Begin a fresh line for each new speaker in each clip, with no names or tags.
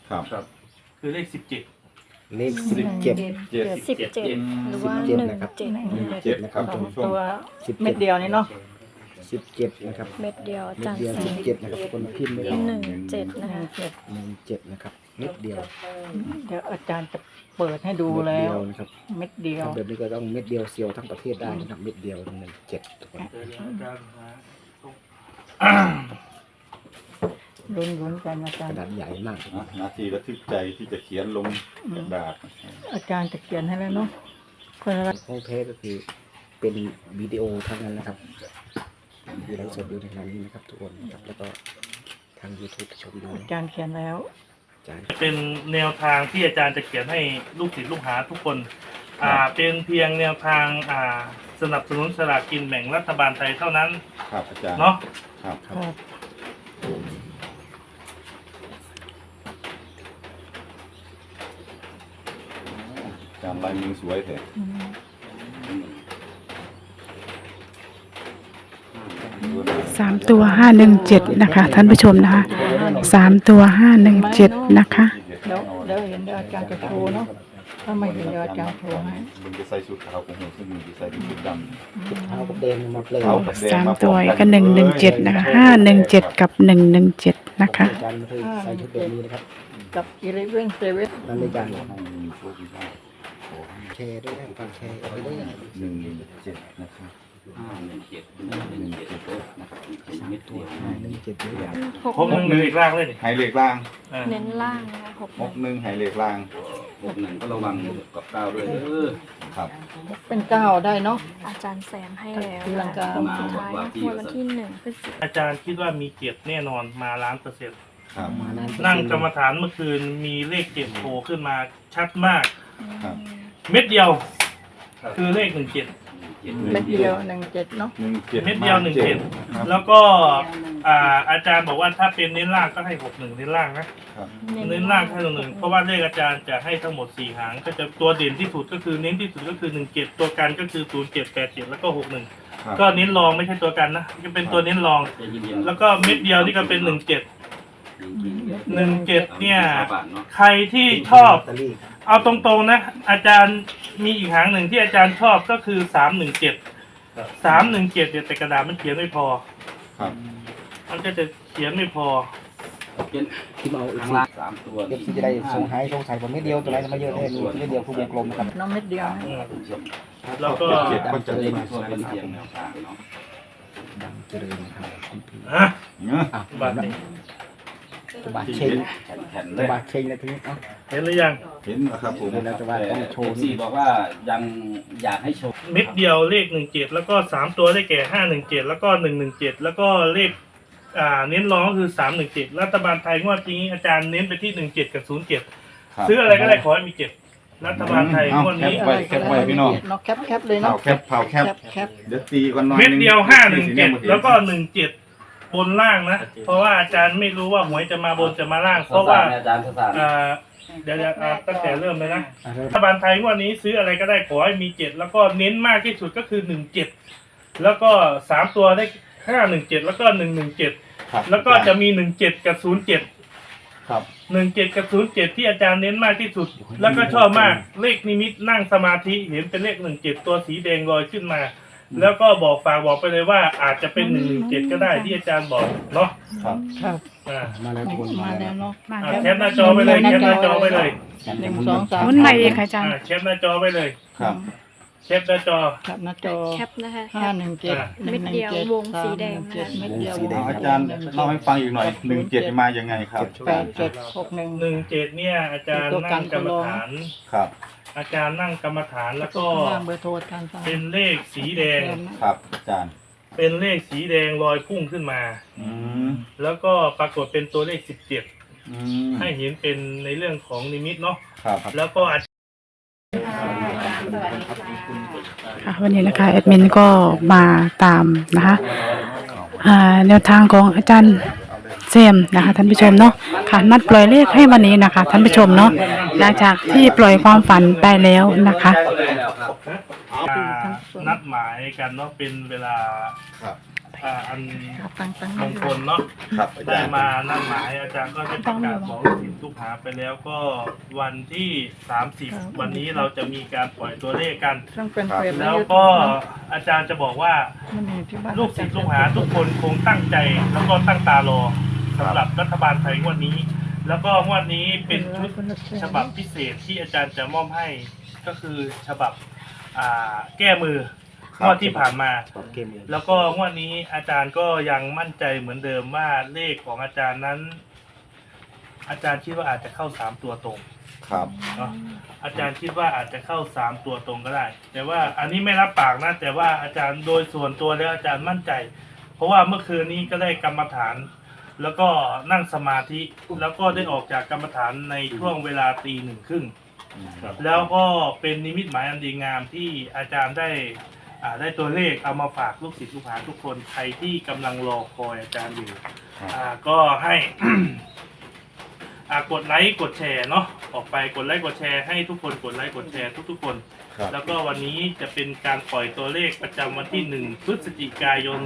ครับคือเลข17
เลข17
17หรือว่า17
นะครับท่านผู้ชม
ตัว
17
เม็ดเดียวนี่เนาะ
17นะครับ
เม็ดเดียวอา
เม็
จา
ด
รย์
เดียว
แสง
17นะครับคนพิมพ์ไม่ออก
17นะคะ
17นะครับเม็ดเดียว
เดี๋ยวอาจารย์จะเปิดให้ดู
เม็ด
แล้
เดี
ว
ยวนะครับ
เม็ดเดียว
ทำแบบนี้ก็ต้องเม็ดเดียวเซียวทั้งประเทศได้นะครับเม็ดเดียว17ทุกคน
ลุ้นๆกันอาจาก ร
ระ
ย์
ดาษใหญ่มาก
นาทีระทึกใจที่จะเขียนลงกระดาษ
อาจารย์จะเขียนให้แล้วเนาะคนละ
ของแท้ก็คือเป็นวิดีโอทั้งนั้นนะครับที่ไลฟ์สดอยู่ในขณะนี้นะครับทุกคนนะครับแล้วก็ทาง YouTube ชมดู
อาจารย์เขียนแล้ว
อาจารย์
เป็นแนวทางที่อาจารย์จะเขียนให้ลูกศิษย์ลูกหาทุกคน เป็นเพียงแนวทางสนับสนุนสลากกินแบ่งรัฐบาลไทยเท่านั้น
ครับอาจารย์
เนาะ
ครับ
ครับ
อาจารย์ลายมือสวยแท้
3 ตัว 517นะคะท่านผู้ชมนะคะ3 ตัว 517นะคะ
เดี๋ยวเห็นเดี๋ยวอาจารย์จะโชว์เนาะถ้าไม่เห็นเดี๋ยวอาจารย์โชว์ให้
มึงจะใส่ชุดขาวของผมซึ่งมึงจะใส่เป็นชุดดำ
เท้ากับแดงมาเปลย
เอากับแดง
3 ตัวก็117นะคะ517กับ117นะคะ
อาจารย์ไม่เคยใส่ชุดแบบนี้นะครับ
กับ11
นั่นเลยอาจารย์
ให้มีโชคมีลาภ
แชร์ด้วยนะฟังแชร์เอาไปด้วยนะ
117นะครับ117นะครับเม็ดเดียว
117ด้วยกัน
พบหนึ่งอีกร่างเลยนี่
ไฮเลขล่าง
เน้นล่างนะคะ
61ไฮเลขล่าง
61ก็ระวังกับก้าวด้วย
ครับ
เป็น9ได้เนาะ
อาจารย์แสงให้แล้ว
ตีลังกา
โค้งสุดท้ายนะวันที่1พฤศจิกายน
อาจารย์คิดว่ามีเกียรติแน่นอนมา1,000,000%
ครับ
มานั้น
นั่งกรรมฐานเมื่อคืนมีเลข7โผล่ขึ้นมาชัดมาก
ครับ
เม็ดเดียว คือเลข17
เม็ดเดียว17เนาะ
เม็ดเดียว17แล้วก็อาจารย์บอกว่าถ้าเป็นเน้นล่างก็ให้61เน้นล่างนะเน้นล่างให้61เพราะว่าเลขอาจารย์จะให้ทั้งหมด4หางก็จะตัวเด่นที่สุดก็คือเน้นที่สุดก็คือ17ตัวกันก็คือ0787แล้วก็61ก็เน้นรองไม่ใช่ตัวกันนะจะเป็นตัวเน้นรอง แล้วก็เม็ดเดียวนี่ก็เป็น17เนี่ยใครที่ชอบ
ลอตเตอรี่
เอาตรงๆนะอาจารย์มีอีกหางหนึ่งที่อาจารย์ชอบก็คือ317เดี๋ยวแต่กระดาษมันเขียนไม่พอ
ครับ
มันก็จะเขียนไม่พอ
ที่มาเอาอีก
ข้าง
ที
ล่าง3ตัว
เอฟซีจะได้สงสัยผมไม่เดียวตัวไหนมาเยอะเลยไม่เดียวผู้วงกลมนะครับ
น้องเม็ดเดียวนะ
แล้วก็
ก็จะได้
ตัวเป็นเพียงแนวทางเนาะ
ดังเจริญนะครับคุณพี่
ฮะ
อ่ะ
บาทนี้
ตบาเชง
แข็งๆ
ต
เลย
บาเชงนะทีนี้เอ้า
เห็นหรือยัง
เห็นนะครับผม
เดี๋ยวเราจะว่าต้องโชว์
ซีบอกว่ายังอยากให้โชว์
เม็ดเดียวเลข17แล้วก็3ตัวได้แก่517แล้วก็117แล้วก็เลขเน้นรองก็คือ317รัฐบาลไทยงวดนี้อาจารย์เน้นไปที่17กับ07ซื้ออะไรก็ได้ขอให้มี7รัฐบาลไทยงวดนี้
แคปไว้พี่น้อง
เนาะแคปเลย
เผา
เนาะ
แคปเผาแคป
แคป
เดี๋ยวตีกันหน่อย
เม็ดเดียว
นึง
517แล้วก็17บนล่างนะเพราะว่าอาจารย์ไม่รู้ว่าหวยจะมาบนจะมาล่าง เพราะว่า
อาจารย์ภาษา
เดี๋ยวตั้งแต่เริ่มเลยนะ
อ่ะเริ่ม
รัฐบาลไทยงวดนี้ซื้ออะไรก็ได้ขอให้มี7แล้วก็เน้นมากที่สุดก็คือ17แล้วก็3ตัวได้517แล้วก็117
ครับ
แล้วก็จะมี17กับ07
ครับ
17กับ07ที่อาจารย์เน้นมากที่สุด แล้วก็ชอบมากเลขนิมิตนั่งสมาธิเห็นเป็นเลข17ตัวสีแดงลอยขึ้นมา แล้วก็บอกไปเลยว่าอาจจะเป็น117ก็ได้ที่อาจารย์บอกเนาะ
ครับ
ครับ
มาแล้วทุกคน
มา
มา
แล้
แล้ว ว
เนาะ
แคปหน้าจอไปเลยแคปหน้าจอไปเลย
1 2 3
หมุนใหม่เองค่ะอาจารย์
แคปหน้าจอไปเลย
ครับ
แคปหน้าจอ
แคปหน้าจอ
แคปนะคะแคป
517
เม็ดเดียววงสีแดงนะคะ
เม็ดเดียว
เอาอาจารย์เล่าให้ฟังอีกหน่อย17มายังไงครับ
8761
17เนี่ยอาจารย์นั่งกรรมฐาน
ครับ
อาจารย์นั่งกรรมฐานแล้วก็
ข้างเบอร์โทรอาจารย์
เป็นเลขสีแดง
ครับอาจารย์
เป็นเลขสีแดงลอยพุ่งขึ้นมา
อืม
แล้วก็ปรากฏเป็นตัวเลข17
อืม
ให้เห็นเป็นในเรื่องของนิมิตเนาะ
ครับ
แล้วก็อาจ
ค่ะวันนี้นะคะแอดมินก็มาตามนะคะแนวทางของอาจารย์เซมนะคะท่านผู้ชมเนาะค่ะนัดปล่อยเลขให้วันนี้นะคะท่านผู้ชมเนาะหลังจากที่ปล่อยความฝันไปแล้วนะคะ
นัดหมายกันเนาะเป็นเวลา
ครับ
ไป
อัน
ตั้ง
มงคลเนาะ
ครับอา
ได้
จารย์
มานั่นหมายอาจารย์ก็ได้ประกาศบอกลูกศิษย์ลูกหาไปแล้วก็วันที่30วันนี้เราจะมีการปล่อยตัวเลขกัน
ต้องเป็นเฟซ
แล้วก็อาจารย์จะบอกว่า
มันมีที่บ้าน
ลูกศิษย์ลูกหาทุกคนคงตั้งใจแล้วก็ตั้งตารอสำหรับรัฐบาลไทยงวดนี้ แล้วก็งวดนี้เป็นชุดฉบับพิเศษที่อาจารย์จะมอบให้ก็คือฉบับแก้มืองวดที่ผ่านมา
บอกเกมเลย
แล้วก็งวดนี้อาจารย์ก็ยังมั่นใจเหมือนเดิมว่าเลขของอาจารย์นั้น อาจารย์คิดว่าอาจจะเข้า3ตัวตรง
ครับ
เนาะอาจารย์คิดว่าอาจจะเข้า3ตัวตรงก็ได้ แต่ว่าอันนี้ไม่รับปากนะแต่ว่าอาจารย์โดยส่วนตัวแล้วอาจารย์มั่นใจ เพราะว่าเมื่อคืนนี้ก็ได้กรรมฐาน แล้วก็นั่งสมาธิแล้วก็ได้ออกจากกรรมฐานในช่วงเวลา1:30 แล้วก็เป็นนิมิตหมายอันดีงามที่อาจารย์ได้ตัวเลขเอามาฝากลูกศิษย์ลูกหาทุกคนใครที่กำลังรอคอยอาจารย์อยู่ก็ให้ กดไลค์กดแชร์เนาะออกไปกดไลค์กดแชร์ให้ทุกคนกดไลค์กดแชร์ทุกๆคน
ครับ
แล้วก็วันนี้จะเป็นการปล่อยตัวเลขประจำวันที่1พฤศจิกายน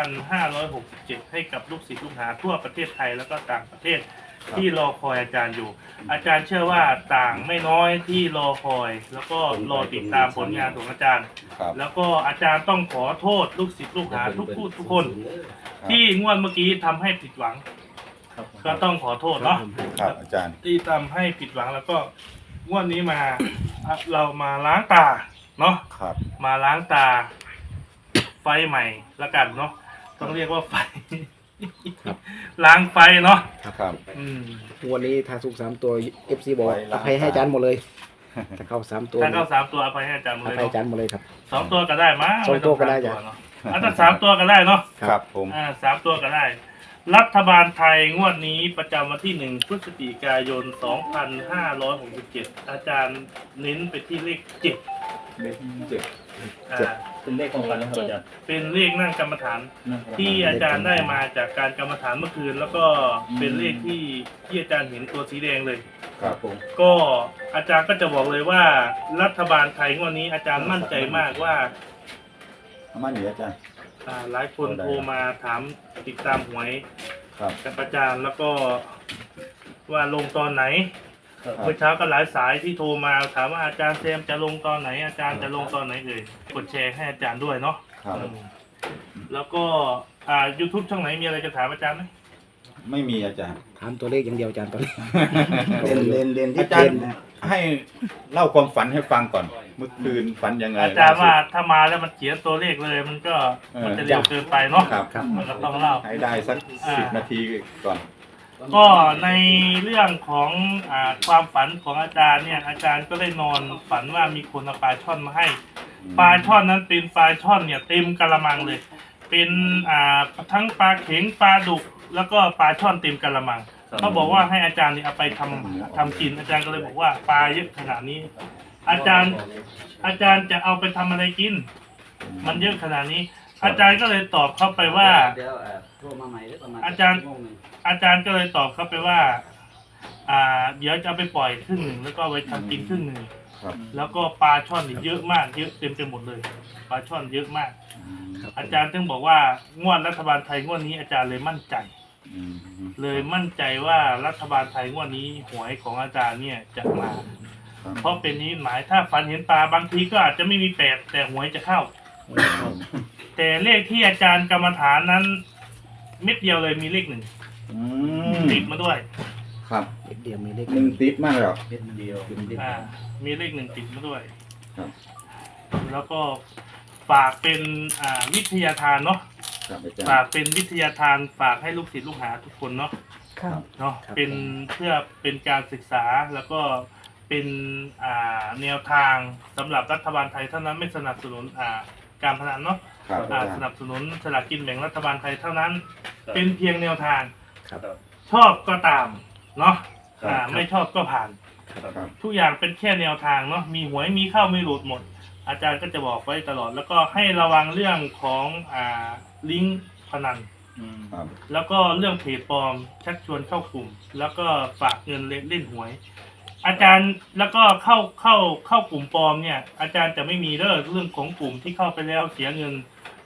2567 ให้กับลูกศิษย์ลูกหาทั่วประเทศไทยแล้วก็ต่างประเทศที่รอคอยอาจารย์อยู่ อาจารย์เชื่อว่าต่างไม่น้อยที่รอคอย แล้วก็รอติดตามผลงานของอาจารย์
ครับ
แล้วก็อาจารย์ต้องขอโทษลูกศิษย์ลูกหาทุกคน ที่งวดเมื่อกี้ทำให้ผิดหวัง ก็ต้องขอโทษเนาะ
ครับอาจารย์
ที่ทำให้ผิดหวังแล้วก็งวดนี้มาเรามาล้างตาเนาะ
ครับ
มาล้างตาไฟใหม่ละกันเนาะต้องเรียกว่าไฟ ล้างไฟเนาะ
ครับ
อืม
วันนี้ถ้าสุก3 ตัว FC บอก
ไว้
อ
ล้าง
ภัยให้อาจารย์หมดเลยถ้าเข้า3 ตัว
ถ้าเข้า3 ตัวเอาไปให้อาจารย์หมด
อ
เลย
ภัยอาจาร
เนาะ
ย์หมดเลยครับ
2 ตัวก็ได้มั้ย
2 ตัวก็ได้
ม่
จ้ะ
ต้อง3 ตัวเนาะถ้า3 ตัวก็ได้เนาะ
ครับผม
3 ตัวก็ได้ รัฐบาลไทยงวดนี้ประจำวันที่1พฤศจิกายน 2567 อาจารย์เน้นไปที่เลข7
เลขเจ็ด
เป็นเลขของกันนะครับอาจารย์
เป็นเลขนั่งกรรมฐานที่อาจารย์ได้มาจากการกรรมฐานเมื่อคืน แล้วก็เป็นเลขที่อาจารย์เห็นตัวสีแดงเลย
ครับผม
ก็อาจารย์ก็จะบอกเลยว่ารัฐบาลไทยงวดนี้อาจารย์มั่นใจมากว่า
เอามาหนีอาจารย์
หลายคนโทรมาถามติดตามหวย
ครับ
กับอาจารย์แล้วก็ว่าลงตอนไหน
ครับ
เมื่อเช้าก็หลายสายที่โทรมาถามว่าอาจารย์แซมจะลงตอนไหน อาจารย์จะลงตอนไหนเอ่ยกดแชร์ให้อาจารย์ด้วยเนาะ
ครับ
อืมแล้วก็YouTube ช่องไหนมีอะไรจะถามอาจารย์ไหม
ไม่มีอาจารย์
ถามตัวเลขอย่างเดียวอาจารย์ตอนนี้
เรียนที่อาจารย์ให้เล่าความฝันให้ฟังก่อน เมื่อคืนฝันยังไง
อาจารย์ว่าถ้ามาแล้วมันเขียนตัวเลขเลยมันก็มันจะเร็วเกินไปเนาะ
ครับ
มันก็ต้องเล่า
ให้ได้สัก10 นาทีก่อน
ก็ในเรื่องของความฝันของอาจารย์เนี่ยอาจารย์ก็ได้นอนฝันว่ามีคนเอาปลาช่อนมาให้ปลาช่อนนั้นเป็นปลาช่อนเนี่ยเต็มกะละมังเลย เป็นทั้งปลาเข็งปลาดุกแล้วก็ปลาช่อนเต็มกะละมังเขาบอกว่าให้อาจารย์เนี่ยเอาไปทำกินอาจารย์ก็เลยบอกว่าปลาเยอะขนาดนี้ อาจารย์จะเอาไปทำอะไรกิน มันเยอะขนาดนี้ อาจารย์ก็เลยตอบเข้าไปว่า
เดี๋ยวโทรมาใหม่หรือประมาณ
อาจารย์ก็เลยตอบเข้าไปว่า เดี๋ยวจะเอาไปปล่อยครึ่งหนึ่งแล้วก็เอาไปทำกินครึ่งหนึ่ง
ครับ
แล้วก็ปลาช่อนนี่เยอะมากเยอะเต็มไปหมดเลยปลาช่อนเยอะมาก อาจารย์ถึงบอกว่างวดรัฐบาลไทยงวดนี้อาจารย์เลยมั่นใจ
อืม
เลยมั่นใจว่ารัฐบาลไทยงวดนี้หวยของอาจารย์เนี่ยจะมา
ครับ
เพราะเป็นนี้หมายถ้าฝันเห็นปลาบางทีก็อาจจะไม่มีแปดแต่หวยจะเข้า แต่เลขที่อาจารย์กรรมฐานนั้นเม็ดเดียวเลยมีเลข1
อืม
ติดมาด้วย
ครับ
เลขเดียวมีเลข
1 ติดมากแล้ว
เป็นเดียว
มีเลข1ติดมาด้วย
ครับ
แล้วก็ฝากเป็นวิทยาทานเนาะ
ครับอาจาร
ฝาก
ย์
เป็นวิทยาทานฝากให้ลูกศิษย์ลูกหาทุกคนเนาะ
ครับ
เนาะเป็นเพื่อเป็นการศึกษาแล้วก็เป็นแนวทางสำหรับรัฐบาลไทยเท่านั้นไม่สนับสนุนการพนันเนาะ
ครับอาจาร
ส
ย์
นับสนุนสลากกินแบ่งรัฐบาลไทยเท่านั้น เป็นเพียงแนวทาง
ครับ
ชอบก็ตามเนาะ
ครับ
ไม่ชอบก็ผ่าน
ครับ
ทุกอย่างเป็นแค่แนวทางเนาะมีหวยมีเข้ามีหลุดหมด อาจารย์ก็จะบอกไว้ตลอด แล้วก็ให้ระวังเรื่องของลิงก์พนัน
ครับ
แล้วก็เรื่องเพจปลอมชักชวนเข้ากลุ่ม แล้วก็ฝากเงินเล่นหวย อาจารย์แล้วก็เข้ากลุ่มปลอมเนี่ย อาจารย์จะไม่มีเรื่องของกลุ่มที่เข้าไปแล้วเสียเงิน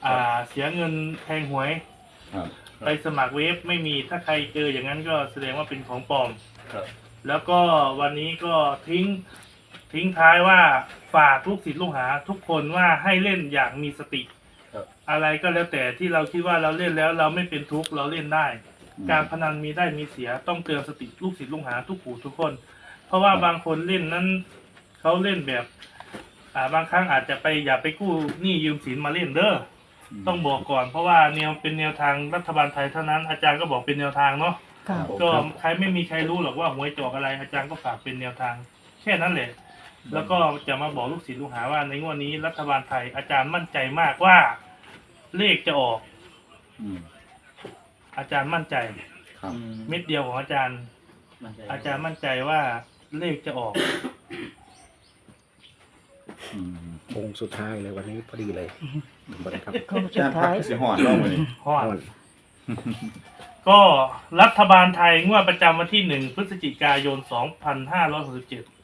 เสียเงินแทงหวย
ครับ
ไปสมัครเว็บไม่มีถ้าใครเจออย่างนั้นก็แสดงว่าเป็นของปลอม
ครับ
แล้วก็วันนี้ก็ทิ้งท้ายว่าฝากลูกศิษย์ลูกหาทุกคนว่าให้เล่นอย่างมีสติ
ครับ
อะไรก็แล้วแต่ที่เราคิดว่าเราเล่นแล้วเราไม่เป็นทุกข์เราเล่นได้ การพนันมีได้มีเสียต้องเตือนสติลูกศิษย์ลูกหาทุกผู้ทุกคน เพราะว่าบางคนเล่นนั้นเขาเล่นแบบบางครั้งอาจจะไปอย่าไปกู้หนี้ยืมสินมาเล่นเด้อต้องบอกก่อนเพราะว่าเป็นแนวทางรัฐบาลไทยเท่านั้นอาจารย์ก็บอกเป็นแนวทางเนาะ
ค่ะ
ก็ใครไม่มีใครรู้หรอกว่าหวยจอกอะไรอาจารย์ก็ฝากเป็นแนวทางแค่นั้นแหละแล้วก็จะมาบอกลูกศิษย์ลูกหาว่าในงวดนี้รัฐบาลไทยอาจารย์มั่นใจมากว่าเลขจะออก
อืม
อาจารย์มั่นใจ
ครับ
เม็ดเดียวของอาจารย์มั่นใจว่าเลขจะออก
อืม
โค้งสุดท้ายเลยวันนี้พอดีเลยครับ
โค้ง
อา
สุ
จา
ด
รย์พั
ท้าก ย
เสียหอนเล่ามานี่
ฮอดก็รัฐบาลไทยงวดประจำวันที่ 1 พฤศจิกายน 2567